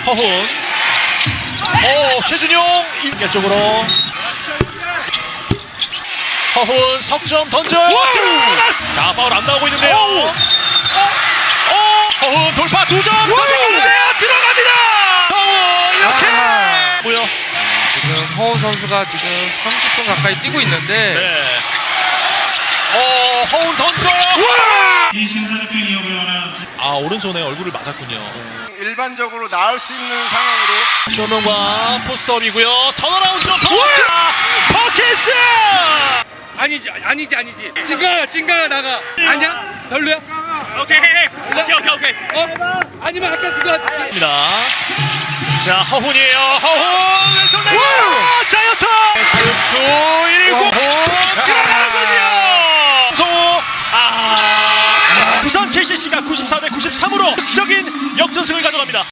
허훈. 최준용 인계 쪽으로. 허훈 석점 던져요. 자, 파울 안 나오고 있는데요. 허훈 돌파 2점 선택하는데요. 들어갑니다. 허훈 이렇게 뭐요? 지금 허훈 선수가 지금 30분 가까이 뛰고 있는데 네. 허훈 던져요. 이 신사적인 이용을 원하는 오른손에 얼굴을 맞았군요. 일반적으로 나올 수 있는 상황으로 쇼명과 포스트업이고요. 턴어라운드 퍼키스. 아니지 진가가 나가 아니야? 별로야? 오케이. 아니면 아까 그거 자, 허훈이에요. 허훈 왼손 내고 자유투. 자유투 1구 들어가는군요. 송호. 부산 KCC가 94대 93으로 극적인 역전승을 가져갑니다.